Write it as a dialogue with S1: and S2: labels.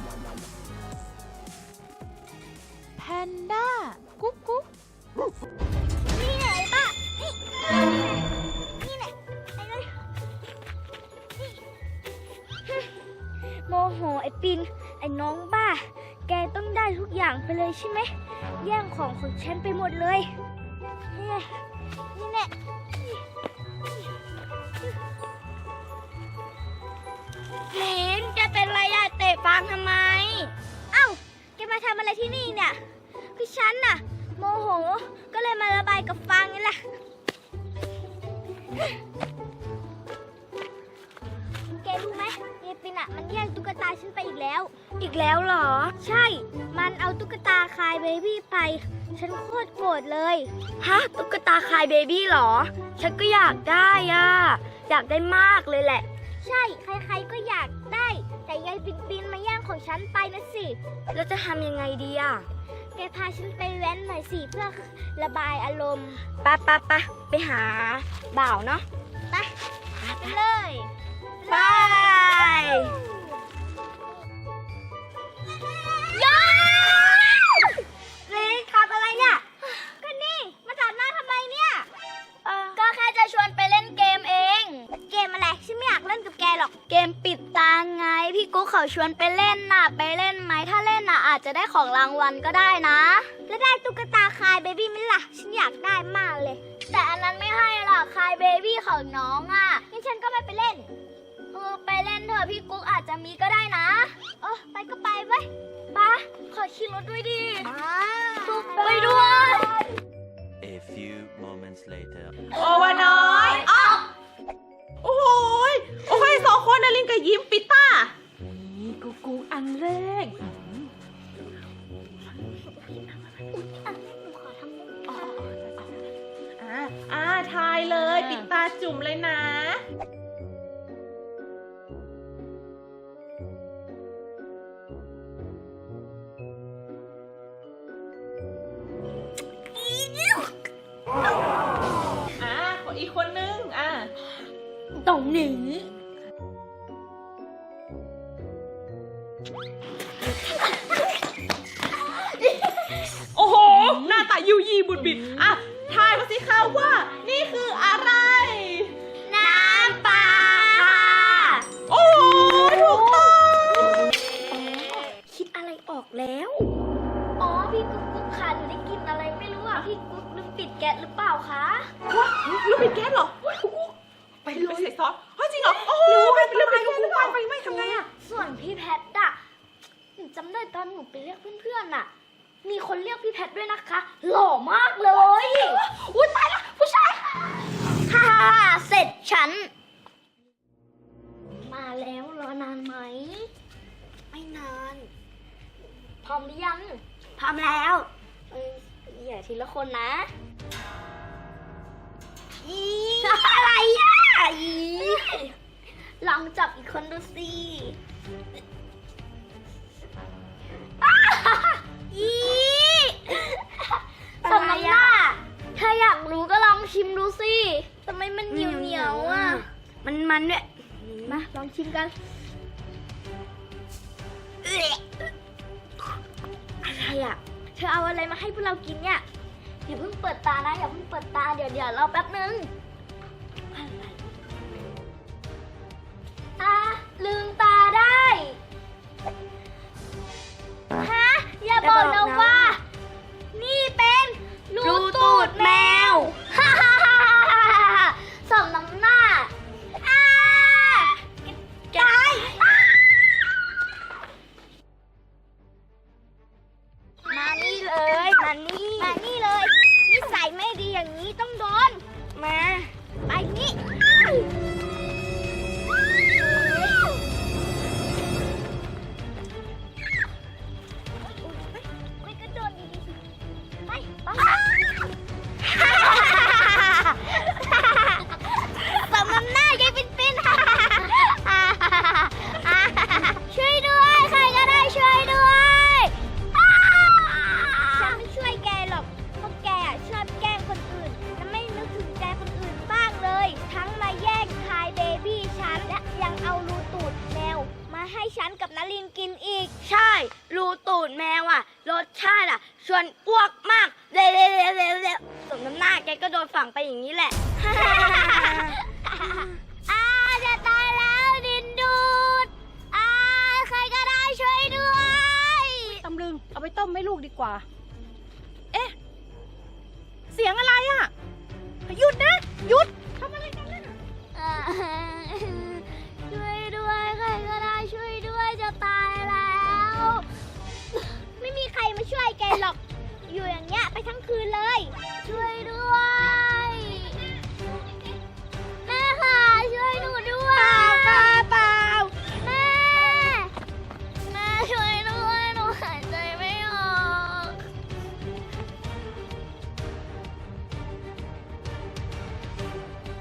S1: แพนด้ากุ๊กกุ๊ก
S2: นี่ไหนป้านี่ไหนไปเลยโมโหไอ้ปินไอ้น้องบ้าแกต้องได้ทุกอย่างไปเลยใช่ไหมแย่งของฉันไปหมดเลยนี่แหละเห็นแกเป็นไรอะเตะฟางทำไมเอ้าแกมาทำอะไรที่นี่เนี่ยคือฉันน่ะโมโหก็เลยมาระบายกับฟางนี่แหละแกรู้ไหมเยปินอะมันแย่งตุ๊กตาฉันไปอีกแล้วเหรอใช่มันเอาตุ๊กตาคายเบบี้ไปฉันโคตรโกรธเลยฮะตุ๊กตาคายเบบี้เหรอฉันก็อยากได้อะอยากได้มากเลยแหละใช่ใครๆก็อยากได้แต่ยายปินมาแย่งของฉันไปนะสิแล้วจะทำยังไงดีอะแกพาฉันไปแว้นหน่อยสิเพื่อระบายอารมณ์ปะไปหาบ่าวเนาะไปเลยไปย้อนนี่ขับอะไรเนี่ยก็นี่มาตัดหน้าทำไมเนี่ยก็แค่จะชวนไปเล่นเกมเองเกมอะไรฉันไม่อยากเล่นกับแกหรอกเกมปิดตาไงพี่กุ๊กเขาชวนไปเล่นน่ะไปเล่นไหมถ้าเล่นน่ะอาจจะได้ของรางวัลก็ได้นะแล้วได้ตุ๊กตาคายเบบี้ไหมล่ะฉันอยากได้มากเลยแต่อันนั้นไม่ให้หรอกคายเบบี้ของน้องอ่ะงั้นฉันก็ไม่ไปเล่นไปเล่นเถอะพี่กุ๊กอาจจะมีก็ได้นะไปก็ไปไว้ป้าขอขี่รถด้วยดิไปด้วย
S3: A few moments later
S4: โอวาน้อยอ้าวโอ้ยโอ้ยสองคนนะลินกับยิ้มปิต้านี่กูอันแรกทายเลยปิดตาจุ่มเลยนะอีกคนนึง
S2: ตรงนี้
S4: โอ้โหหน้าตายูยีบุดบิดทายมาสิคะว่านี่คืออะไร
S2: น้ำปลา
S4: โอ้ถูกต้อง
S2: คิดอะไรออกแล้วพี่กุ๊กค่ะหนูได้กินอะไรไม่รู้พี่กุ๊กลืมปิดแก๊สหรือเปล่าคะ
S4: ว้าลืมปิดแก๊สเหรอไปเลยใส่ซอสจริงเหรอโอ้ลืมปิดแก๊สหรือเปล่าไฟไหม้ทำไง
S2: ส่วนพี่แพทหนูจำได้ตอนหนูไปเรียกเพื่อนๆมีคนเรียกพี่แพทด้วยนะคะหล่อมากเลยอุ้ยตายแล้วผู้ชายฮ่าเสร็จฉันมาแล้วรอนานไหมไม่นานพร้อมหรือยังพร้อมแล้วอย่าทีละคนนะอะไรลองจับอีกคนดูสิทำไมเธออยากรู้ก็ลองชิมดูสิทำไมมันเหนียวมันเนี่ยมาลองชิมกันอะไรเธอเอาอะไรมาให้พวกเรากินเนี่ยอย่าเพิ่งเปิดตานะอย่าเพิ่งเปิดตาเดี๋ยวรอแป๊บนึงลืมตาได้ฮะอย่าบอกนะว่านี่เป็นรูตูดแมวสมน้ำหน้าตายมานี่เลยนิสัยไม่ดีอย่างนี้ต้องโดนมาอีก ใช่ รูตูดแมวอ่ะ รสชาติอ่ะ ชวนอ้วกมากเร็วสมน้ำหน้าแกก็โดนฝังไปอย่างนี้แหละ จะตายแล้วดินดูดใครก็ได้ช่วยด้วย
S5: ตำลึงเอาไปต้มให้ลูกดีกว่า